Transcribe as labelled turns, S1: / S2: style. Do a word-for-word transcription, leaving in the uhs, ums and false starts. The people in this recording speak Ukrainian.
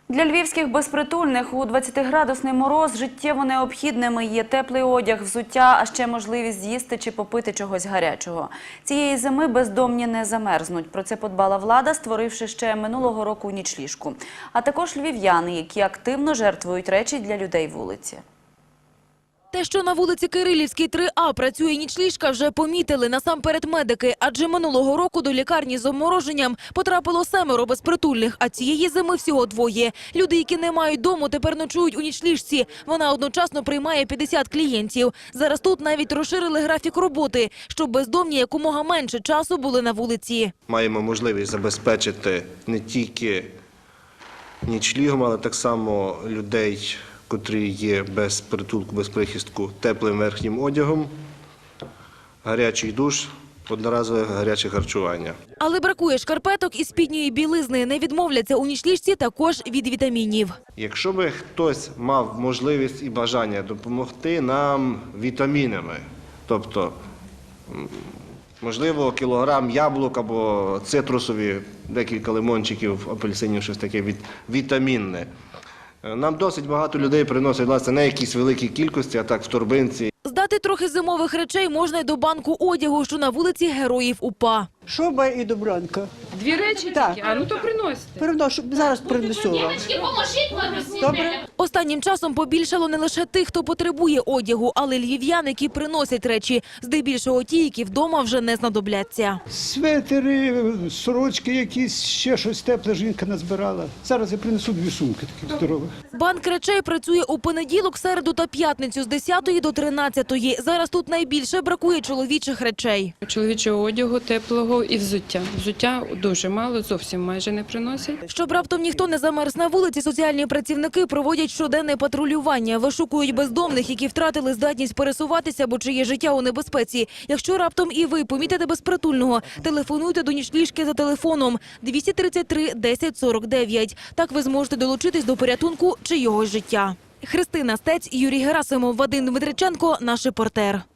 S1: Для львівських безпритульних у двадцятиградусний мороз життєво необхідними є теплий одяг, взуття, а ще можливість з'їсти чи попити чогось гарячого. Цієї зими бездомні не замерзнуть. Про це подбала влада, створивши ще минулого року нічліжку. А також львів'яни, які активно жертвують речі для людей вулиці.
S2: Те, що на вулиці Кирилівській три А працює нічліжка, вже помітили насамперед медики. Адже минулого року до лікарні з обмороженням потрапило семеро безпритульних, а цієї зими всього двоє. Люди, які не мають дому, тепер ночують у нічліжці. Вона одночасно приймає п'ятдесят клієнтів. Зараз тут навіть розширили графік роботи, щоб бездомні якомога менше часу були на вулиці.
S3: Маємо можливість забезпечити не тільки нічлігом, але так само людей, котрі є без притулку, без прихистку, теплим верхнім одягом, гарячий душ, одноразове гаряче харчування.
S2: Але бракує шкарпеток і спідньої білизни. Не відмовляться у нічліжці також від вітамінів.
S3: Якщо би хтось мав можливість і бажання допомогти нам вітамінами, тобто, можливо, кілограм яблук або цитрусові, декілька лимончиків, апельсинів, щось таке вітамінне. Нам досить багато людей приносять, власне, не якісь великі кількості, а так в торбинці.
S2: Здати трохи зимових речей можна й до банку одягу, що на вулиці Героїв УПА.
S4: Шуба і добранка.
S5: Дві речі
S4: Так.
S5: тільки? А ну то приносите.
S4: Переношу, зараз принесу вам. Добре?
S2: Останнім часом побільшало не лише тих, хто потребує одягу, але й львів'ян, які приносять речі. Здебільшого ті, які вдома вже не знадобляться.
S6: Светери, сорочки якісь, ще щось тепле жінка назбирала. Зараз я принесу дві сумки таких здорових.
S2: Банк речей працює у понеділок, середу та п'ятницю з десятої до тринадцятої. Зараз тут найбільше бракує чоловічих речей.
S5: Чоловічого одягу, теплого і взуття. Взуття дуже мало, зовсім майже не приносять.
S2: Щоб раптом ніхто не замерз на вулиці, соціальні працівники проводять щоденне патрулювання. Вишукують бездомних, які втратили здатність пересуватися або чиє життя у небезпеці. Якщо раптом і ви помітите безпритульного, телефонуйте до нічліжки за телефоном двісті тридцять три десять сорок дев'ять. Так ви зможете долучитись до порятунку чийогось життя. Христина Стець, Юрій Герасимов, Вадим Дмитриченко, наш репортер.